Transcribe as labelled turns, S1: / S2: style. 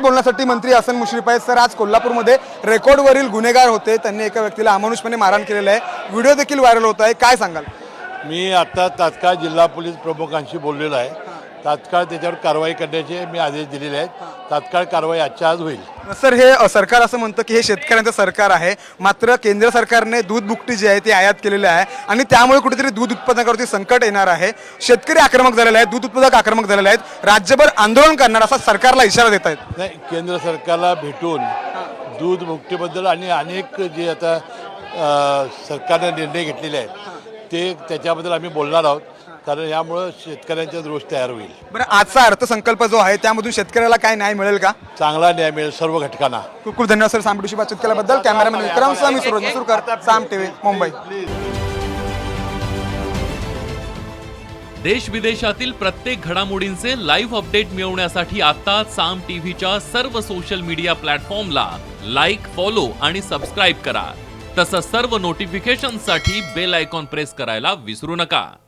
S1: बोलण्यासाठी मंत्री हसन मुश्रीफ आहेत. सर, आज कोल्हापूरमध्ये रेकॉर्डवरील गुन्हेगार होते, त्यांनी एका व्यक्तीला अमानुषपणे मारहाण केलेलं आहे, व्हिडिओ देखील व्हायरल होत आहे, काय सांगाल?
S2: मी आता तात्काळ जिल्हा पोलीस प्रमुखांशी बोललेलो आहे. तात्काळ त्याच्यावर कारवाई करण्याचे मी आदेश दिलेले आहेत. तात्काळ कारवाई आजच्या आज होईल.
S1: सर, हे सरकार असं म्हणतं की हे शेतकऱ्यांचं सरकार आहे, मात्र केंद्र सरकारने दूध बुकटी जी आहे ती आयात केलेली आहे आणि त्यामुळे कुठेतरी दूध उत्पादनावरती संकट येणार आहे. शेतकरी आक्रमक झालेले आहेत, दूध उत्पादक आक्रमक झालेले आहेत, राज्यभर आंदोलन करणार असा सरकारला इशारा देत आहेत.
S2: नाही, केंद्र सरकारला भेटून दूध मुक्तीबद्दल आणि अनेक जे आता सरकारने निर्णय घेतलेले आहेत ते त्याच्याबद्दल आम्ही बोलणार आहोत, कारण यामुळं शेतकऱ्यांचा रोष तयार होईल.
S1: बरं, आजचा अर्थसंकल्प जो आहे त्यामधून शेतकऱ्याला काय न्याय मिळेल का?
S2: चांगला न्याय मिळेल सर्व घटकांना.
S1: खूप खूप धन्यवाद सर साम टीव्हीशी बातचीत केल्याबद्दल. कॅमेरामॅन विक्रमसह मी सुरज मसूरकर, साम टीव्ही, मुंबई.
S3: देश विदेशातील प्रत्येक घडामोडींचे लाईव्ह अपडेट मिळवण्यासाठी आता साम टीव्हीच्या सर्व सोशल मीडिया प्लॅटफॉर्मला लाईक, फॉलो आणि सबस्क्राईब करा. तसंच सर्व नोटिफिकेशनसाठी बेल आयकॉन प्रेस करायला विसरू नका.